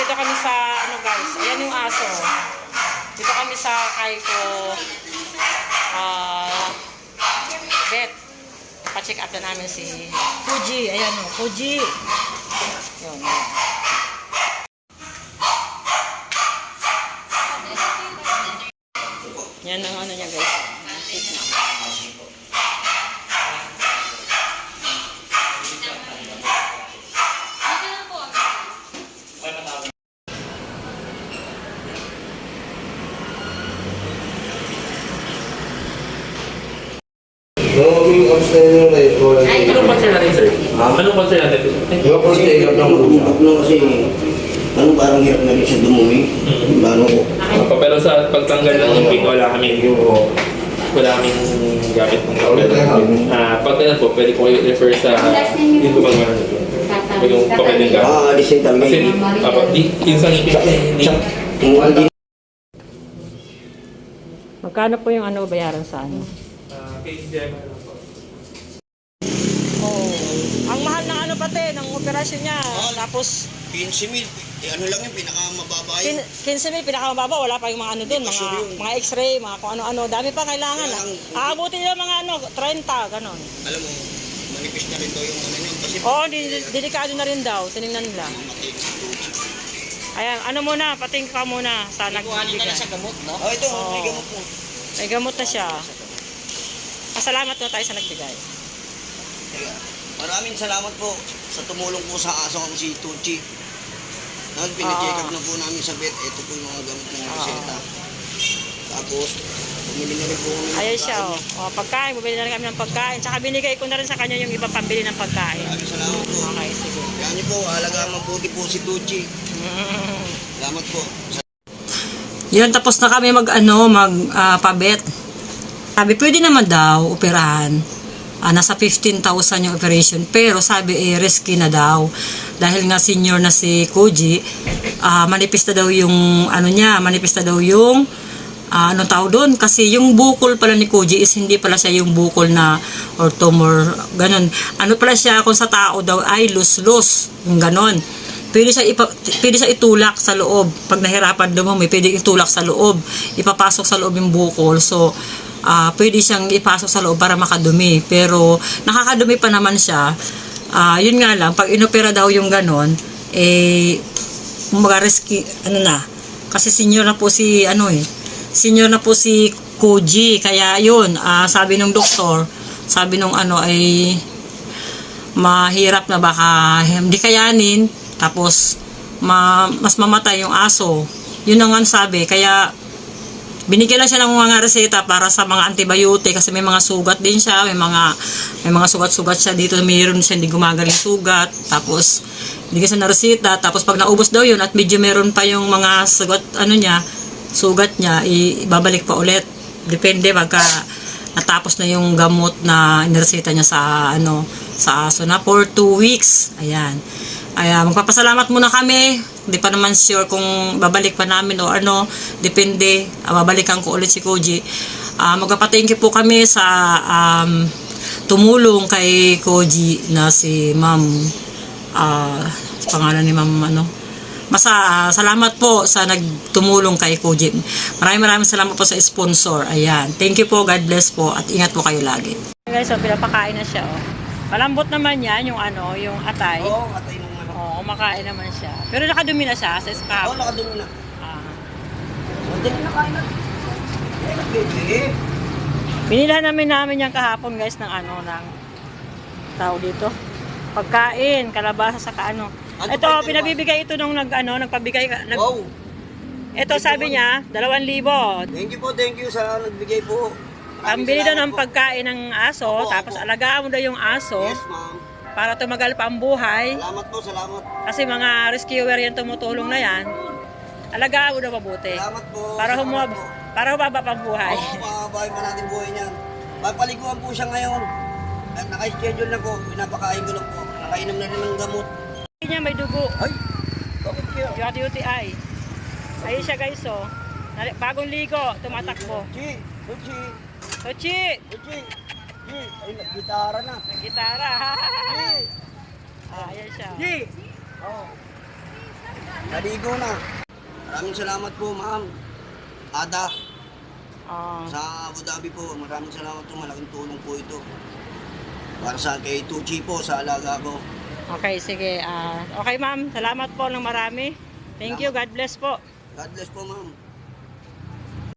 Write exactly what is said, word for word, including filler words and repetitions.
Nandito kami sa, ano guys, ayan yung aso. Dito kami sa Kaiko uh, vet. Pa-check up na namin si Fuji. Ayan o, Fuji. Yun. Yan ang ano niya guys. Going upstairs na ito. Anong concern natin, sir? Anong concern natin? Yung pag-take up ng Bubok na kasi, ano parang hirap na rin siya dumumi. Paano ko? Uh, pero sa pagtanggal ng imping, wala kaming wala kaming gamit ng tawag. Ah, pag ganun po, pwede ko kayo refer sa dito pag meron nito. Pwede yung papeling gamit. Ah, alisin talaga. Kasi, apa, di, yung sa ngipin kasi hindi. Kung hindi Magkano po yung ano bayaran sa ano? Ah, kay Gemma lang po. Oh, ang mahal ng ano pati, ng operasyon niya. Tapos, quince mil, eh, ano lang yung pinakamababa kin- quince mil, pinakamababa, wala pa yung mga ano dun, mga, mga x-ray, mga kung ano-ano, dami pa kailangan. Ah. Aabutin yung mga ano, thirty, ganon. Alam mo, manipis na rin daw yung ano yun. Kasi Oo, di- delikado na rin daw, tinignan nila. Ayan, ano muna, pating ka muna sa nagbibigay. gamot, no? Oh, ito, Oo. may gamot po. May gamot na siya. Pasalamat na tayo sa nagbigay. Teka, maraming salamat po sa tumulong po sa aso kong si Tucci. Dahil pinacheck up na po namin sa vet, ito po yung mga gamot na reseta. Tapos, bumili na rin po kami ng Ayan siya, pagkain. oh. Oh, pagkain, bumili na rin kami ng pagkain. Tsaka binigay ko na rin sa kanya yung iba pambili ng pagkain. Maraming salamat po. Okay, sige. Kaya niyo po, alagaan mabuti po si Tucci. Salamat po. Yun, tapos na kami mag, ano, mag, uh, pabet. Sabi, pwede naman daw, operahan. Uh, nasa fifteen thousand yung operation. Pero sabi, eh, risky na daw. Dahil nga senior na si Koji, uh, manipis na daw yung, ano niya, manipis na daw yung, uh, anong tao doon? Kasi yung bukol pala ni Koji is hindi pala siya yung bukol na, or tumor, ganun. Ano pala siya, kung sa tao daw, ay lus-lus, yung ganun. Pwede siya, ipa, pwede siya itulak sa loob. Pag nahirapan dumumi, pwede itulak sa loob. Ipapasok sa loob yung bukol. So, uh, pwede siyang ipasok sa loob para makadumi. Pero, nakakadumi pa naman siya. Uh, yun nga lang, pag inopera daw yung ganon, eh, mag-risky, ano na. Kasi senior na po si, ano eh, senior na po si Koji. Kaya yun, uh, sabi ng doktor, sabi nung ano ay, mahirap na baka hindi kayanin. Tapos, ma, mas mamatay yung aso. Yun ang nga sabi. Kaya, binigyan lang siya ng mga reseta para sa mga antibiotic kasi may mga sugat din siya. May mga may mga sugat-sugat siya dito. Mayroon siya hindi gumagaling sugat. Tapos, binigyan siya ng reseta. Tapos, pag naubos daw yun at medyo meron pa yung mga sugat, ano niya, sugat niya, ibabalik pa ulit. Depende pagka natapos na yung gamot na inireseta niya sa, ano, sa aso na for two weeks. Ayan. Ay, magpapasalamat muna kami. Hindi pa naman sure kung babalik pa namin o ano. Depende. Uh, babalikan ko ulit si Koji. Uh, magpapa-thank you po kami sa um, tumulong kay Koji na si Ma'am. Uh, pangalan ni Ma'am ano. Masa, uh, salamat po sa nagtumulong kay Koji. Maraming maraming salamat po sa sponsor. Ayan. Thank you po. God bless po. At ingat po kayo lagi. Guys, so, pinapakain na siya. Oh. Malambot naman yan yung ano, yung atay. Oo, oh, atay nung ano. Oo, kumakain naman siya. Pero nakadumi na siya sa scab. Oo, oh, nakadumi na. Ah. Hindi na nakain na. Eh, Binilhan namin namin yung kahapon guys ng ano, ng tao dito. Pagkain, kalabasa sa kaano. Ano Ito, pa yung pinabibigay ito nung nag, ano, nagpabigay. Nag, wow. ito sabi niya, dalawang libo. Thank you po, thank you sa nagbigay po. Ang bili daw ng pagkain ng aso, Opo, tapos opo. alagaan mo daw yung aso Yes, ma'am. para tumagal pa ang buhay. Salamat po, salamat. Kasi mga rescuer yan tumutulong na yan. Alagaan mo daw mabuti. Salamat po. Para salamat humab po. para humaba pa ang buhay. Oo, makabahay pa natin buhay niyan. Papaliguan po siya ngayon. At naka-schedule na po, pinapakain ko lang po. Nakainom na rin ng gamot. Hindi niya may dugo. Ay, bakit kaya? U T I. Ayun siya guys, oh. Nali- Bagong ligo, tumatakbo. Uchi, Uchi, Tochi! Uchi. Uchi, ay, nag-gitara na. Nag-gitara. Uchi. Ah, ayan siya. Uchi. Oh. naligo na. Maraming salamat po, ma'am. Ada, Ah, sa Abu Dhabi po. Maraming salamat po. Malaking tulong po ito. Para sa kay Tucci po, sa alaga ko. okay, sige. Ah, okay, ma'am. Salamat po ng marami. Thank you. God bless po. God bless po, ma'am.